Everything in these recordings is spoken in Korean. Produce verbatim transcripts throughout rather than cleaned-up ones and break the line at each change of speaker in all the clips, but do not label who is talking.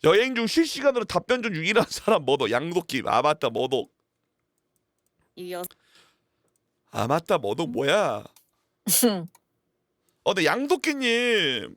여행 중 실시간으로 답변 중 유일한 사람 뭐도 양도끼. 아 맞다 뭐도.
이 여...
아 맞다 뭐도 뭐야? 어 근데 양도끼님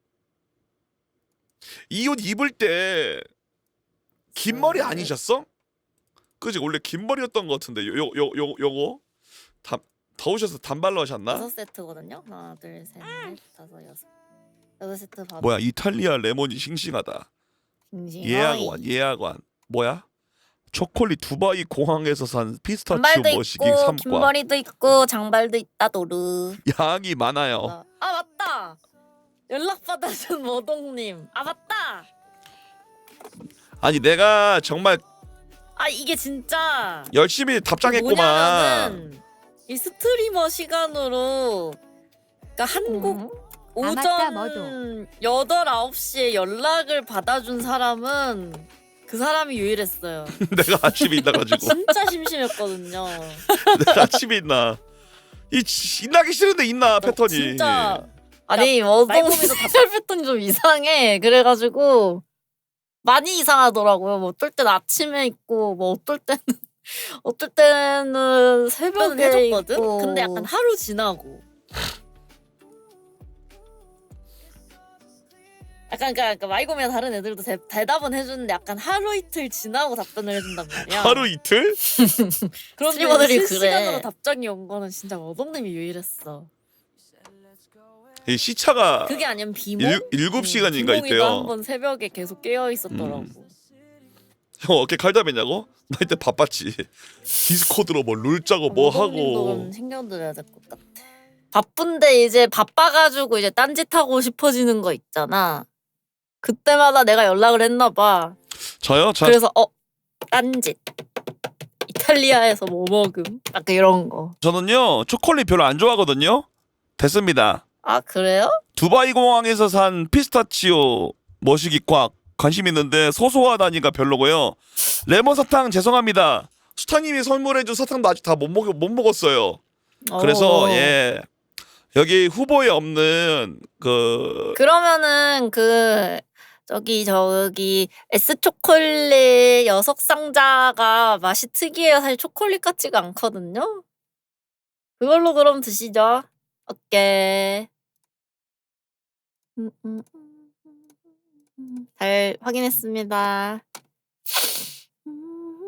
이 옷 입을 때 긴 머리 아니셨어? 그지 원래 긴 머리였던 것 같은데 요 요 요 요 요거 다 더우셔서 단발로 하셨나?
여섯 세트거든요. 하나, 둘, 셋, 넷, 다섯, 여섯. 여섯 세트 받아.
뭐야 이탈리아 레몬이 싱싱하다. 예약관 예약관 뭐야? 초콜릿 두바이 공항에서 산 피스타치오
단발도
머시기
있고
삼
긴
과.
머리도 있고 장발도 있다 도르.
양이 많아요.
아, 아 맞다. 연락 받아준 모동님. 아 맞다.
아니 내가 정말
아 이게 진짜
열심히 답장했구만.
뭐냐면은 이 스트리머 시간으로 그러니까 한국
음.
오전
아, 맞다, 뭐도.
여덟 아홉 시에 연락을 받아준 사람은 그 사람이 유일했어요.
내가 아침에 있나가지고.
진짜 심심했거든요.
내가 아침에 있나. 이 지- 있나기 싫은데 있나 패턴이.
진짜 아니 머동이도 답변 패턴이 좀 이상해. 그래가지고 많이 이상하더라고요. 뭐 어떨 땐 아침에 있고 뭐 어떨 때는 어떨 때는 새벽에
해줬거든?
있고.
근데 약간
하루 지나고. 약간 그러니까, 그러니까 마이고미가 다른 애들도 대, 대답은 해주는데 약간 하루 이틀 지나고 답변을 해준단 말이야.
하루 이틀?
그런
스트리머들이
실시간으로
그래.
답장이 온 거는 진짜 머동님이 유일했어.
이 시차가
그게 아니면 비몽?
일, 일곱 시간인가
비몽이도
있대요.
한번 새벽에 계속 깨어 있었더라고.
음. 형 어깨 칼답했냐고? 나 이때 바빴지. 디스코드로 뭐 룰 짜고 뭐
머동님도
하고.
그럼 챙겨드려야 될 것 같아. 바쁜데 이제 바빠가지고 이제 딴짓하고 싶어지는 거 있잖아. 그때마다 내가 연락을 했나 봐.
저요? 저
그래서 어 딴짓. 이탈리아에서 뭐 먹음? 약간 이런 거.
저는요 초콜릿 별로 안 좋아하거든요. 됐습니다.
아 그래요?
두바이 공항에서 산 피스타치오 머시기 꽉 관심 있는데 소소하다니까 별로고요. 레몬 사탕 죄송합니다. 수타님이 선물해준 사탕도 아직 다 못 먹, 못 먹었어요. 그래서
어.
예 여기 후보에 없는 그
그러면은 그 저기 저기 S 초콜릿 여섯 상자가 맛이 특이해요. 사실 초콜릿 같지가 않거든요. 그걸로 그럼 드시죠. 오케이. 음, 음, 음, 음. 잘 확인했습니다.